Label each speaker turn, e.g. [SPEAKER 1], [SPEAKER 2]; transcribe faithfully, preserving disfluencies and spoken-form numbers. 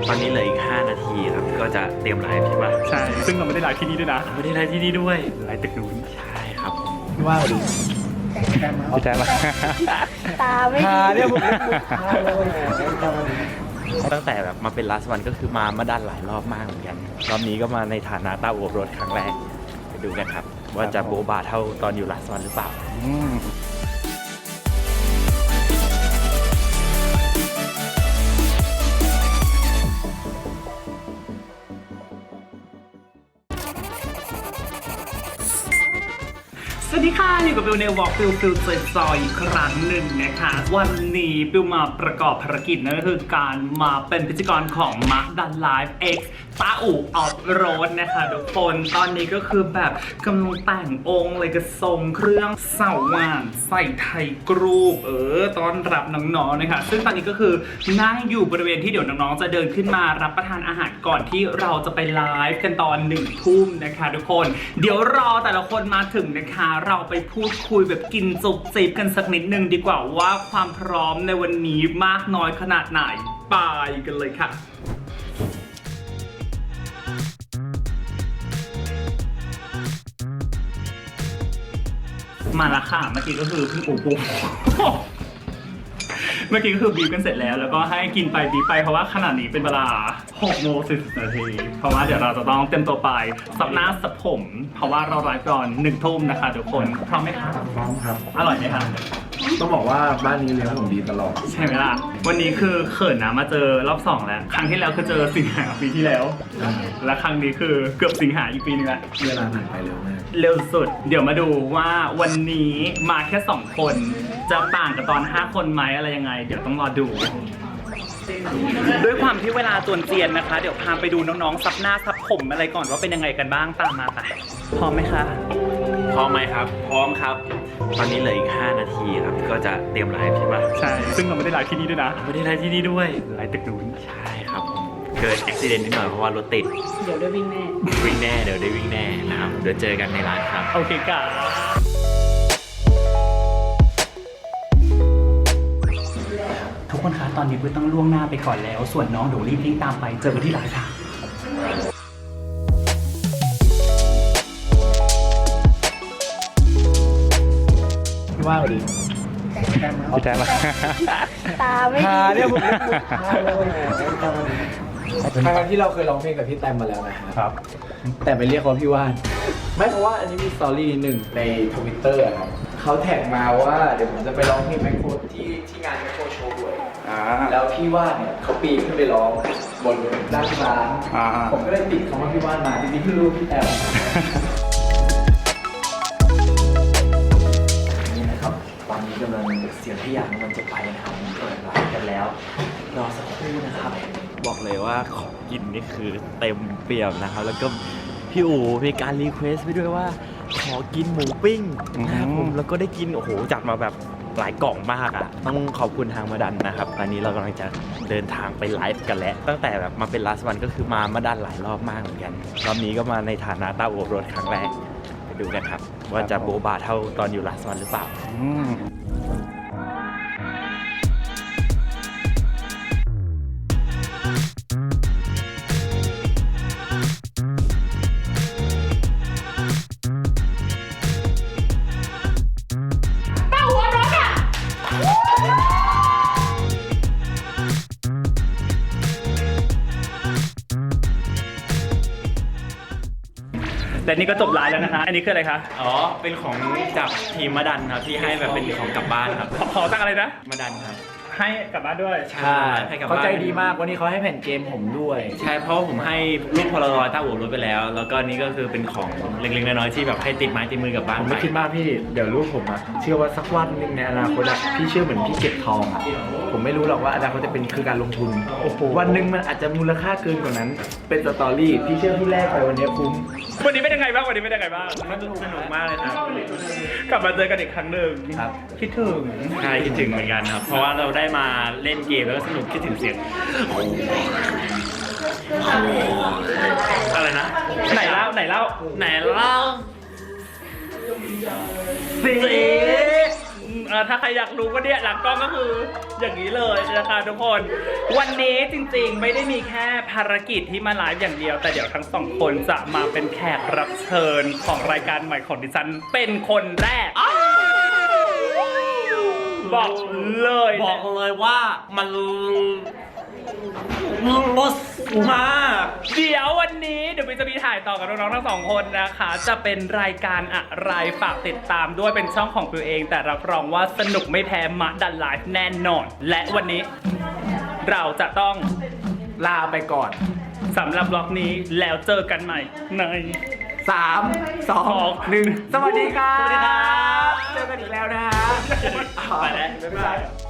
[SPEAKER 1] ตอนนี้เหลืออีกห้านาทีครับก็จะเตรียมไลฟ์ใช่ปะ
[SPEAKER 2] ใช่ซึ่งเราไม่ได้ไลฟ์ที่นี่ด้วยนะ
[SPEAKER 1] ไม่ได้ไลฟ์ที่นี่ด้วย
[SPEAKER 2] ไลฟ์ตึกนู้น
[SPEAKER 1] ใช่ครับ
[SPEAKER 3] พี่ว่าดี
[SPEAKER 2] เอาใจมา
[SPEAKER 3] ตาไม่ดีเนี่ยผม
[SPEAKER 1] ตั้งแต่แบบมาเป็น last one ก็คือมามาดันหลายรอบมากเหมือนกันรอบนี้ก็มาในฐานะต้าอวบรถครั้งแรกไปดูกันครับว่าจะโบบาเท่าตอนอยู่ last one หรือเปล่า
[SPEAKER 2] สวัสดีค่ะอยู่กับบิวในวอล์กบิวฟิลจอยอีกครั้งหนึ่งนะคะวันนี้บิวมาประกอบภารกิจนั่นก็คือการมาเป็นพิธีกรของมะดันไลฟ์ X ต้าอู่ออฟโรดนะคะทุกคนตอนนี้ก็คือแบบกำลังแต่งองค์เลยกระทรงเครื่องเสาว่านใส่ไทยกรูปเออต้อนรับน้องๆนะคะซึ่งตอนนี้ก็คือนั่งอยู่บริเวณที่เดี๋ยวน้องๆจะเดินขึ้นมารับประทานอาหารก่อนที่เราจะไปไลฟ์กันตอนหนึ่งทุ่มนะคะทุกคนเดี๋ยวรอแต่ละคนมาถึงนะคะเราไปพูดคุยแบบกินจุบจิบกันสักนิดนึงดีกว่าว่าความพร้อมในวันนี้มากน้อยขนาดไหนไปกันเลยค่ะมาละค่ะเมื่อกี้ก็คือพี่ปูปูเมื่อกี้ก็คือบีบกันเสร็จแล้วแล้วก็ให้กินไปบีบไปเพราะว่าขณะนี้เป็นเวลาหกโมงสี่สิบนาทีเพราะว่าเดี๋ยวเราจะต้องเต็มตัวไปสับหน้าสับผมเพราะว่าเราไลฟ์ก่อนหนึ่งทุ่มนะคะทุกคนพร้อมไหมคะ
[SPEAKER 3] พร้อมครับ
[SPEAKER 2] อร่อยไหมคะ
[SPEAKER 3] ต้องบอกว่าบ้านนี้เลี้ยงผมดีตลอด
[SPEAKER 2] ใช่ไหมล่ะวันนี้คือเขินนะมาเจอรอบสองแล้วครั้งที่แล้วคือเจอสิงหาปีที่แล้วและครั้งนี้คือเกือบสิงหาอีกปีนึงละ
[SPEAKER 3] เวลาผ่านไปเร็วมาก
[SPEAKER 2] เร็วสุดเดี๋ยวมาดูว่าวันนี้มาแค่สองคนจะต่างกับตอนห้าคนไหมอะไรยังไงเดี๋ยวต้องรอดูด้วยความที่เวลาจวนเจียนนะคะเดี๋ยวพาไปดูน้องๆซับหน้าซับผมอะไรก่อนว่าเป็นยังไงกันบ้างตามมาไปพร้อมไหมคะ
[SPEAKER 1] พร้อมไหมครับพร้อมครับตอนนี้เหลืออีกห้านาทีครับก็จะเตรียมไลฟ์ใช่ปะ
[SPEAKER 2] ใช่ซึ่งเราไม่ได้ไลฟ์ที่นี่ด้วยนะ
[SPEAKER 1] ไม่ได้ไลฟ์ที่นี่ด้วย
[SPEAKER 2] ไลฟ์ตึกนู้น
[SPEAKER 1] ใช่ครับเกิดอุบัติเหตุนิดหน่อยเพราะว่ารถติด
[SPEAKER 3] เดี๋ยวได้วิ่งแน่
[SPEAKER 1] วิ่งแน่เดี๋ยวได้วิ่งแน่นะครับเดี๋ยวเจอกันในร้านครับ
[SPEAKER 2] โอเคค่ะทุกคนคะตอนนี้เพื่อต้องล่วงหน้าไปก่อนแล้วส่วนน้องเดี๋ยวรีบวิ่งตามไปเจอกันที่ร้านค่ะ
[SPEAKER 3] พี่ว่าดี
[SPEAKER 2] เอาใจมา
[SPEAKER 3] ตาไม่ดีเนี่ยผมครั้งที่เราเคยร้องเพลงกับพี่แตมมาแล้วนะครับแต่ไปเรียกเขาพี่ว่านไม่เพราะว่าอันนี้มีสตอรี่หนึ่งในทวิตเตอร์ครับเขาแท็กมาว่าเดี๋ยวผมจะไปร้องเพลงแมคโครที่ที่งานแมคโครโชว์ด้วยแล้วพี่ว่านเนี่ยเขาปีนขึ้นไปร้องบนด้านร้านผมก็เลยติดคำว่าพี่ว่านมาจริงๆเพิ่งรู้พี่แตมนี่นะครับตอนนี้กำลังเสียงที่อยากมันจะไปนะครับมันเปิดร้านกันแล้วรอสักครู่นะครับ
[SPEAKER 1] บอกเลยว่าของกินนี่คือเต็มเปี่ยมนะครับแล้วก็พี่อู๋มีการรีเควสต์ไปด้วยว่าขอกินหมูปิ้งนะครับผมแล้วก็ได้กินโอ้โหจัดมาแบบหลายกล่องมากอ่ะต้องขอบคุณทางมาดันนะครับตอนนี้เรากำลังจะเดินทางไปไลฟ์กันแล้วตั้งแต่แบบมาเป็น last one ก็คือมามาดันหลายรอบมากเหมือนกันรอบนี้ก็มาในฐานะต้าอวบรถครั้งแรกไปดูกันครับว่าจะโบบาเท่าตอนอยู่ last one หรือเปล่า
[SPEAKER 2] แต่นี่ก็จบไลฟ์แล้วนะคะอันนี้คืออะไรคะ
[SPEAKER 1] อ๋อเป็นของจากทีมมาดันครับที่ให้แบบเป็นของกลับบ้านครับ
[SPEAKER 2] ขอตั้งอะไรนะ
[SPEAKER 1] มาดันครับ
[SPEAKER 2] ให้กลับบ้านด้วย
[SPEAKER 3] ใช่เขาใจดีมากวันนี้เขาให้แผ่นเกมผมด้วย
[SPEAKER 1] ใช่เพราะผมให้รูปพลารอยต้าอู่รถไปแล้วแล้วก็นี่ก็คือเป็นของเล็กๆน้อยๆที่แบบให้ติดไม้ติดมือกลับบ้าน
[SPEAKER 3] ผมไม่คิดมากพี่เดี๋ยวรูปผมอะเชื่อว่าสักวันนึงในอนาคตอะพี่เชื่อเหมือนพี่เก็บทองอะผมไม่รู้หรอกว่าอนาคตจะเป็นคือการลงทุนโอ้โหวันหนึ่งมันอาจจะมูลค่าเกินกว่านั้นเป็นสตอรี่พี่เชื่อพี่แรกไปวันนี้คุ้ม
[SPEAKER 2] วันนี้เป็นยังไงบ้างวันนี้เป็นยังไงบ้าง
[SPEAKER 1] มันสนุกมากเลยครับ
[SPEAKER 2] กลับมาเจอกันอีกครั้งหนึ่ง
[SPEAKER 1] ครับ
[SPEAKER 2] คิดถึง
[SPEAKER 1] ใช่คิดถึงเหมือนกันครับเพราะว่าเราได้มาเล่นเกมแล้วก็สนุกคิดถึงเสียงอะไรนะ
[SPEAKER 2] ไหนเล่าไหนเล่า
[SPEAKER 1] ไหนเล่า
[SPEAKER 2] สิเออถ้าใครอยากรู้ก็เนี่ยหลังกล้องก็คืออย่างนี้เลยนะคะทุกคนวันนี้จริงๆไม่ได้มีแค่ภารกิจที่มาไลฟ์อย่างเดียวแต่เดี๋ยวทั้งสองคนจะมาเป็นแขกรับเชิญของรายการใหม่ของดิฉันเป็นคนแรกบอกเลย
[SPEAKER 1] บอกเลยว่ามันรสมาก
[SPEAKER 2] เดี๋ยววันนี้เดี๋ยวพี่จะมีถ่ายต่อกับน้องๆทั้งสองคนนะคะ จะเป็นรายการอะไรฝากติดตามด้วยเป็นช่องของตัวเอง แต่รับรองว่าสนุกไม่แพ้มะดันไลฟ์แน่นอน และวันนี้เราจะต้อง
[SPEAKER 3] ลาไปก่อน
[SPEAKER 2] สำหรับบล็อกนี้แล้วเจอกันใหม่ใน
[SPEAKER 3] สาม สอง หนึ่ง สวัสดีครับ
[SPEAKER 2] สวัสดีครับ
[SPEAKER 3] เจอกันอีกแล้วนะฮะ
[SPEAKER 1] ไปแล้ว
[SPEAKER 3] บ๊ายบาย